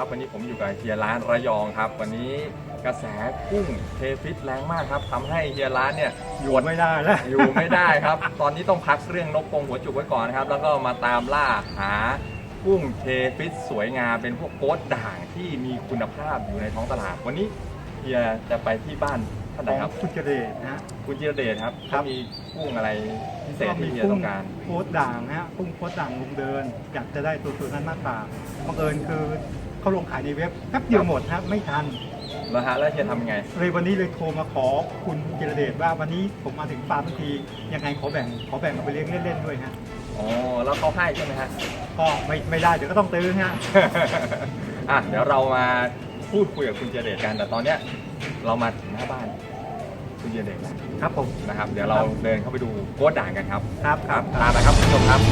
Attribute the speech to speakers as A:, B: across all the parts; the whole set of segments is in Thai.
A: วันนี้ผมอยู่กับเฮียร้านระยองครับวันนี้กระแสกุ้งเทฟิตแรงมากครับทำให้เฮียร้านเนี่ย
B: อยู่ไม่ได้แล้ว
A: อยู่ไม่ได้ครับ ตอนนี้ต้องพักเรื่องนกกรงหัวจุกไว้ก่อนนะครับแล้วก็มาตามล่าหากุ้งเทฟิตสวยงามเป็นพวกโก๊ดด่างที่มีคุณภาพอยู่ในท้องตลาดวันนี้เฮียจะไปที่บ้านท่านไหนครับ
B: คุณเจเดชนะฮะ
A: คุณจิรเดชครับ
B: ครับ
A: เขามีกุ้งอะไรพิเศษที่เฮียต้องการ
B: โค้ดด่างนะฮะกุ้งโค้ดด่างลุงเดินอยากจะได้ตัวนั้นมากกว่าบังเอิญคือเขาลงขายในเว็บแป๊บเดียวหมดฮะไม่ทัน
A: แล้วฮะแล้วเฮียทำยังไง
B: เลยวันนี้เลยโทรมาขอคุณเจเดชว่าวันนี้ผมมาถึงฟาร์มทันทียังไงขอแบ่งเอาไปเลี้ยงเล่นๆด้วยฮะ
A: อ๋อแล้วเขาให้ใช่ไหมฮะ
B: ก็ไม่ได้เดี๋ยวก็ต้องตื้อฮะ
A: อ่ะเดี๋ยวเรามาพูดคุยกับคุณเจเดชกันแต่ตอนเนี้ยเรามาถึงหน้าบ้านคุณเจเดชแล้ว
B: ครับผม
A: นะครับ เดี๋ยวเราเดินเข้าไปดูโก๊ดด่างกันครับ
B: ครับ
A: ตามนะครับคุณผู้ชมครับ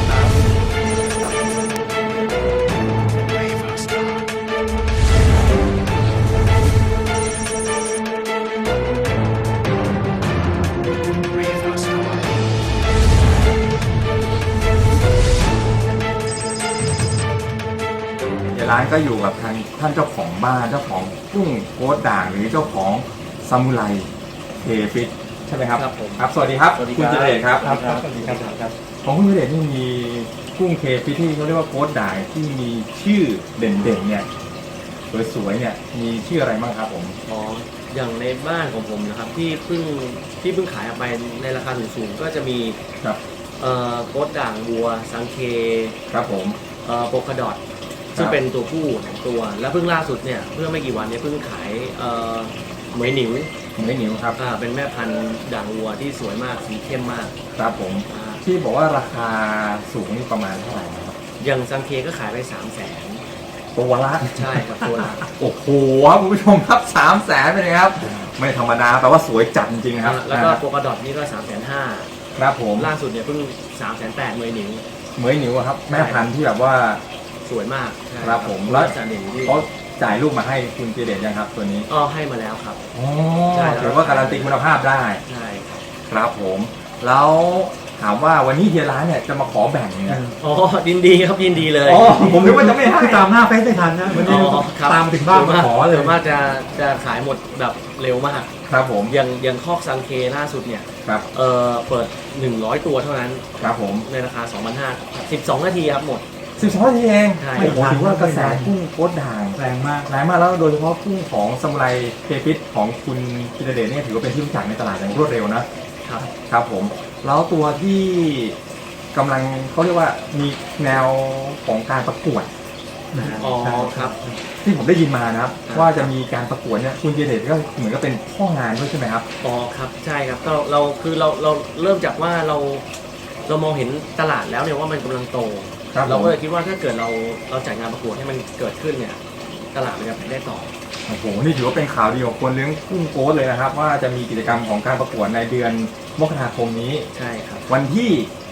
A: ร้านก็อยู่กับทางท่านเจ้าของบ้านเจ้าของกุ้งโก๊ดด่างหรือเจ้าของซามูไรเทฟิตใช่ไหมครับ
C: ครับผม
A: ครับสวัสดีครับ
C: สวัสดี
A: คุณ
C: ครับ
A: เจเดชครับ
B: ครับสวัสดีครับ
A: ของคุณเจเดชนี่มีกุ้งเทฟิตที่เขาเรียกว่าโก๊ดด่างที่มีชื่อเด่นๆเนี่ยสวยๆเนี่ยมีชื่ออะไรบ้างครับผม
C: อ๋ออย่างในบ้านของผมนะครับที่เพิ่งขายออกไปในราคาสูงๆก็จะมี
A: ครับ
C: โค้ดด่างบัวสังเค
A: ครับผม
C: โปกดอทซึ่งเป็นตัวผู้2ตัว แล้วเพิ่งล่าสุดเนี่ยเพิ่งไม่กี่วันเนี่ยเพิ่งขายเหมยหนิว
A: ไม่หนิวครับ
C: เป็นแม่พันธุ์ด่างวัวที่สวยมากสีเข้มมาก
A: ครับผม
C: อ่า
A: ที่บอกว่าราคาสูงนี่ประมาณเท่าไหร่นะครับ
C: อย่างสังเคก็ขายไป300,000
A: ตัวละ
C: ใช่ครับตัวละ
A: โอ้โหครับคุณผู้ชมครับ300,000เป็นไงครับไม่ธรรมดาแต่ว่าสวยจัดจริงๆนะครับ
C: แล้วก็โปกดอทนี่ก็350,000
A: ครับผม
C: ล่าสุดเนี่ยเพิ่ง380,000เหมยหนิว
A: เหมยหนิวอะครับแม่พันธุ์ที่แบบว่า
C: สวยมากใช่
A: ครับผม
C: แล้
A: แล้ว ว
C: จะหนิวที่
A: เขาจ่ายลูกมาให้คุณเจเดชยังครับตัวนี้
C: ให้มาแล้วครับ
A: อ๋อ
C: ใช่แล้ว
A: ถือว่าการันตีคุณภาพได้
C: ใช่ครับ
A: ครับผม แล้วถามว่าวันนี้เฮียร้านเนี่ยจะมาขอแบ่งเนี่ย
C: ยินดีครับยินดีเลย
A: อ๋อผมนึกว่าจะไม่ให้
B: คือตามหน้าเฟซไม่ทันนะวันนี้
C: ครับ
B: ตามถึงบ้านมาขอเลย
C: ส่วนมากจะขายหมดแบบเร็วมาก
A: ครับผม
C: อย่างคอกซังเคล่าสุดเนี่ย
A: ครับ
C: เปิด100ตัวเท่านั้น
A: ครับผม
C: ในราคา 2,500 12 นาทีครับหมด
A: 12 นาทีเอง
C: ใช่
A: โอ้โหถือว่ากระแสกุ้งโคตรด่าง
B: แรงมาก
A: แรงมากแล้วโดยเฉพาะกุ้งของซามูไรเทฟิตของคุณจิรเดชเนี่ยถือว่าเป็นที่รู้จักในตลาดอย่างรวดเร็วนะครับ ครับผมแล้วตัวที่กำลังเขาเรียกว่ามีแนวของการประกวด
C: อ๋อครับ
A: ที่ผมได้ยินมานะครับ
C: ครับ
A: ว่าจะมีการประกวดเนี่ยคุณจิรเดชก็เหมือนกับเป็นพ่องานด้วยใช่ไหมครับ
C: อ๋อครับใช่ครับก็เราเริ่มจากว่าเรามองเห็นตลาดแล้วเนี่ยว่ามันกำลังโต
A: ครับ
C: เรา
A: ผม
C: ก็เลยคิดว่าถ้าเกิดเราจัดงานประกวดให้มันเกิดขึ้นเนี่ยตลาดมันจะไปได้ต่อ
A: โอ้โหนี่ถือว่าเป็นข่าวดีของคนเลี้ยงกุ้งโกสเลยนะครับ ว่าจะมีกิจกรรมของการประกวดในเดือนมกราคมนี้
C: ใช่ครับ
A: วันที่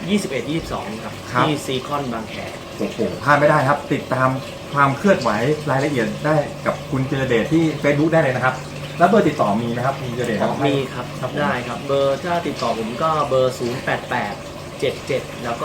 C: 21-22 ครับ
A: ครับ
C: ที่ซีคอนบางแค
A: โอ้โหพลาดไม่ได้ครับ ติดตามความเคลื่อนไหวรายละเอียดได้กับคุณจิรเดชที่ Facebook ได้เลยนะครับ แล้วเบอร์ติดต่อมีไหมครับคุณจิรเดชครับ
C: มีครับ
A: ครับผม
C: ได้ครับเบอร์ถ้าติดต่อผมก็เบอร์ 08877 แล้วก็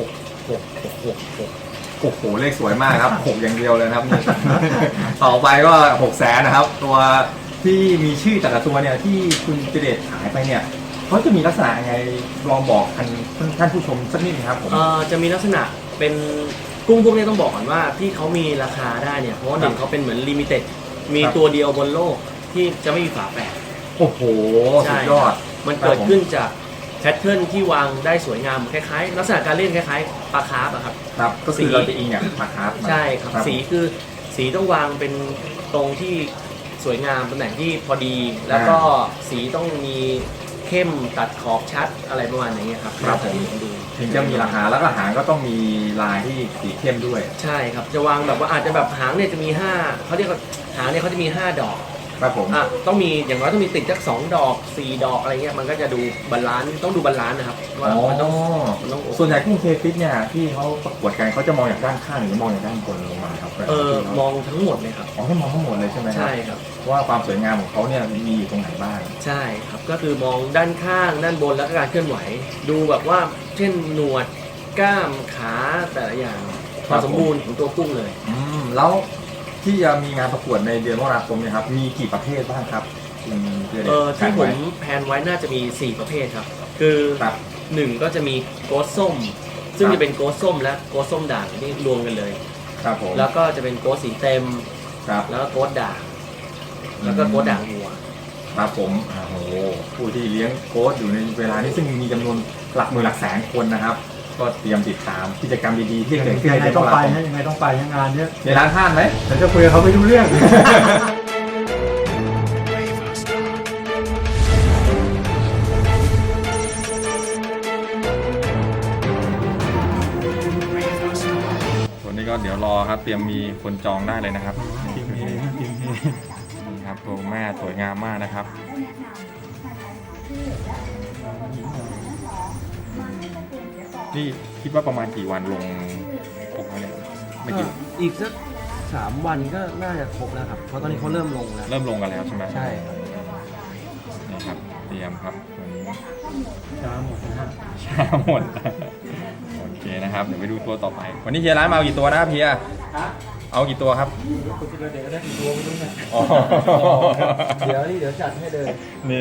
C: 6666
A: โอ้โหเลขสวยมากครับ 6 อย่างเดียวเลยนะครับนี่ ต่อไปก็600,000นะครับ ตัวที่มีชื่อแต่ละตัวเนี่ยที่คุณจิรเดชขายไปเนี่ยเขาจะมีลักษณะยังไงลองบอกท่านผู้ชมสักนิดนึงครับผม
C: จะมีลักษณะเป็นกุ้งพวกนี้ต้องบอกก่อนว่าที่เขามีราคาได้เนี่ยเพราะว่าหนึ่งเขาเป็นเหมือนลิมิเต็ดมีตัวเดียวบนโลกที่จะไม่มีฝาแฝด
A: โอ้โหสุดยอด
C: มันเกิดขึ้นจากแพทเทิร์นที่วางได้สวยงามคล้ายๆลักษณะการเล่นคล้ายๆปลาคาร์ฟอะครับ
A: ครับก็คือเราจะอิงอย่างปลาคาร์ฟมา
C: ใช่ครับสีคือสีต้องวางเป็นตรงที่สวยงามตำแหน่งที่พอดี แล้วก็สีต้องมีเข้มตัดขอบชัดอะไรประมาณอย่างเงี้ยครับ
A: ครับผม
C: ดู
A: ถึงจะมีราคาแล้วก็หางก็ต้องมีลายที่สีเข้มด้วย
C: ใช่ครับจะวางแบบว่าอาจจะแบบหางเนี่ยจะมี5เขาเรียกว่าหางเนี่ยเขาจะมี5 ดอก
A: ครับผม
C: ต้องมีอย่างน้อยต้องมีติดสัก2 ดอก 4 ดอกอะไรเงี้ยมันก็จะดูบาลานซ์ต้องดูบาลานซ์นะครับว่ามันต้องโอเค
A: ส่วนใหญ่กุ้งเทฟิตเนี่ยที่เขาประกวดกันเขาจะมองอย่างด้านข้างหรือมองอย่างด้านบนลงมาครับ
C: มองทั้งหมดเลยครับ
A: อ๋อให้มองทั้งหมดเลยใช่ไหมครับ
C: ใช่ครับ
A: ว่าความสวยงามของเขาเนี่ยมีอยู่ตรงไหนบ้าง
C: ใช่ครับก็คือมองด้านข้างด้านบนแล้วก็การเคลื่อนไหว ดูแบบว่าเช่นหนวดกล้ามขาแต่ละอย่างความสมบูรณ์ของตัวกุ้งเลย
A: แล้วที่จะมีงานประกวดในเดือนมกราคมเนี่ยครับมีกี่ประเภทบ้างครับคุณเจเดช
C: ที่ผมแพลนไว้น่าจะมี 4 ประเภทครับ คือ
A: ครับ
C: 1ก็จะมีโกสส้ม ซึ่ง
A: ครับ
C: จะเป็นโกสส้มและโกสส้มด่างที่รวมกันเลย
A: ครับผม
C: แล้วก็จะเป็นโกสสีเต็ม
A: ครับ
C: แล้วก็โกสด่าง แล้วก็โกสด่างวัว
A: ครับผมโอ้โหผู้ที่เลี้ยงโค้ชอยู่ในเวลานี้ซึ่งมีจำนวนหลักหมื่นหลักแสนคนนะครับ ก็เตรียมติดตามกิจกรรมดีๆที่เกิดขึ้น
B: ยัง
A: ใน
B: ไง
A: เดือนม
B: ต้อง
A: ก
B: ไป
A: ราคม
B: ฮะยังไงต้องไปงานเนี้ย
A: ในร้านท่านไหม
B: แต่จะคุยกับเขาไม่รู้เรื่อง
A: ส่วนนี้ก็เดี๋ยวรอครับเตรียมมีคนจองได้เลยนะครับ
B: ทีมเฮนะทีมเฮ
A: นี่ครับตัวแม่สวยงามมากนะครับนี่คิดว่าประมาณกี่วันลงปกเนี่ยไม่กี่
C: อีกสัก3 วันก็น่าจะครบแล้วครับ เพราะตอนนี้เขาเริ่มลงแล้ว
A: เริ่มลงกันแล้วใช่ไหม
C: ใช่ครับ
A: นี่ครับเตรียมครับวันนี้
B: ช้าหมดนะฮะ
A: ช้าหมดโอเคนะครับเดี๋ยวไปดูตัวต่อไป วันนี้เฮียร้านมาเอากี่ตัวนะครับเฮียเอากี่ตัวครับ
B: คุณจิรเดชก็ได้กี่ตัวไม่รู้เนี่ย
A: อ๋อ
C: เดี๋ยวจัดให้เลย
A: นี่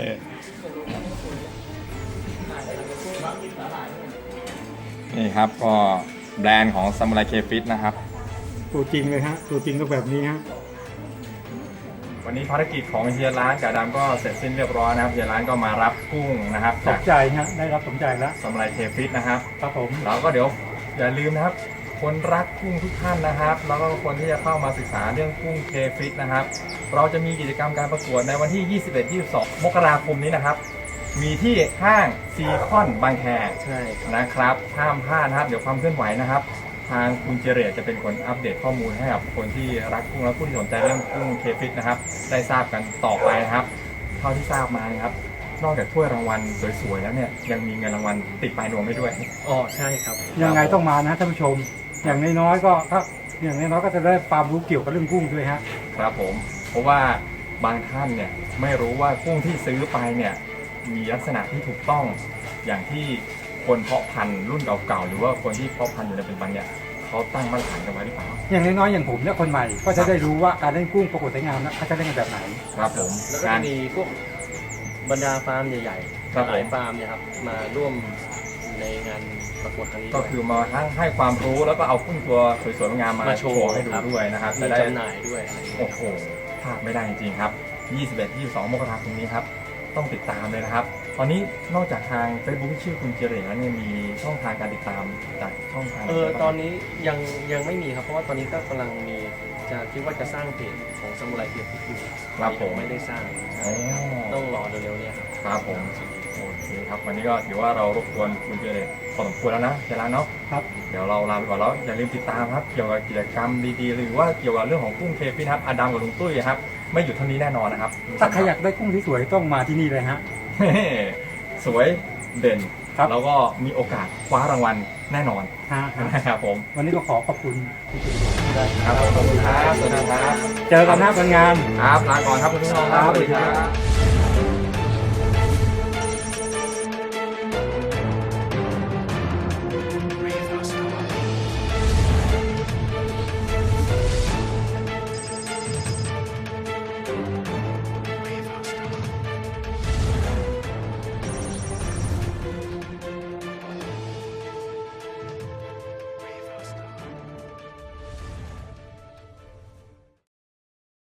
A: นี่ครับก็แบรนด์ของซามูไรเคฟิตนะครับ
B: ตัวจริงเลยฮะตัวจริงก็แบบนี้ฮะ
A: วันนี้ภารกิจของเฮียร้านกาดำก็เสร็จสิ้นเรียบร้อยนะครับเฮียร้านก็มารับกุ้งนะครับ
B: ส
A: จาน ก
B: ใจฮะได้รับสนใจแล้ว
A: ซามูไรเคฟิตนะครับ
B: ครับผม
A: แล้วก็เดี๋ยวอย่าลืมนะครับ คนรักกุ้งทุกท่านนะครับ แล้วก็คนที่จะเข้ามาศึกษาเรื่องกุ้งเคฟิตนะครับ เราจะมีกิจกรรมการประกวดในวันที่ 21-22 มกราคมนี้นะครับ มีที่ห้างซีคอนบางแค
C: ใช่
A: นะครับห้ามพลาดนะครับ เดี๋ยวความเคลื่อนไหวนะครับ ทางคุณเจเรตจะเป็นคนอัปเดตข้อมูลให้กับคนที่รักกุ้งและผู้ที่สนใจเรื่องกุ้งเคฟิตนะครับ ได้ทราบกันต่อไปนะครับ เท่าที่ทราบมานะครับ นอกจากถ้วยรางวัลสวยๆแล้วเนี่ยยังมีเงินรางวัลติดปลายนวมให้ด้วย
C: อ๋อใช่ครับ
B: ยังไงต้องมานะท่านผู้ชม อย่างน้อยๆก็ถ้าอย่างน้อยๆก็จะได้ความรู้เกี่ยวกับเรื่องกุ้งด้วยฮะ
A: ครับผมเพราะว่าบางท่านเนี่ยไม่รู้ว่ากุ้งที่ซื้อไปเนี่ยมีลักษณะที่ถูกต้องอย่างที่คนเพาะพันธุ์รุ่นเก่าๆหรือว่าคนที่เพาะพันธุ์อยู่ในปัจจุบันเนี่ยเขาตั้งมาตรฐานกันไว้หรือเปล่า
B: อย่างน้อยๆอย่างผมเนี่ยคนใหม่ก็จะได้รู้ว่าการเล่นกุ้งประกวดสวยงามนะเขาจะเล่นกันแบบไหน
A: ครับผม
C: แล้วก็
A: การ
C: จะมีพวกบรรดาฟาร์มใหญ่
A: ครับ
C: ๆหลายฟาร์มเนี่ยครับมาร่วมในงานประกวดครั้งนี้
A: ก็
C: ด้วย
A: คือมาทั้งให้ความรู้แล้วก็เอากุ้งตัวสวยๆงามมา
C: มาโชว์
A: ให้ดู
C: ครับ
A: ด้วยนะครับ
C: มี
A: จะได้
C: จำหน่ายด้วยอะไรอย่างเงี้ย
A: โอ้โหพลาดไม่ได้จริงๆครับ 21-22 มกราคมนี้ครับต้องติดตามเลยนะครับ ตอนนี้นอกจากทาง Facebook ที่ชื่อคุณเจเรตแล้วเนี่ยมีช่องทางการติดตามจากช่องทางไหนบ้าง
C: ตอนนี้ยังไม่มีครับ เพราะว่าตอนนี้ก็กำลังมีจะคิดว่าจะสร้างเพจของซามูไรเกียรติอยู่
A: ครับผม
C: ยังไม่ได้สร้าง
A: อ๋อ
C: ต้องรอเร็วๆเนี่ยครับ
A: ครับผมโอเคครับวันนี้ก็ถือว่าเรารบกวนคุณเจเรตพอสมควรแล้วนะเจร้านเนาะ
B: ครับ
A: เดี๋ยวเราลาไปก่อนแล้วอย่าลืมติดตามครับเกี่ยวกับกิจกรรมดีๆหรือว่าเกี่ยวกับเรื่องของกุ้งเคฟิตครับอดัมกับลุงตุ้ยครับไม่หยุดเท่านี้แน่นอนนะครับ
B: ถ้าใครอยากได้กุ้งที่สวยต้องมาที่นี่เลยฮะ
A: สวยเด่น
B: ครับ
A: แล้วก็มีโอกาสคว้ารางวัลแน่นอน
B: ฮะ
A: นะครับผม
B: วันนี้ก็ขอขอบคุณคุณจิรเดช
A: ครับขอบคุณครับสวัสดีครับ
B: เจอกันหน้างาน
A: ครับลาก่อนครับคุณผู้ชมครับสวัสดีครับ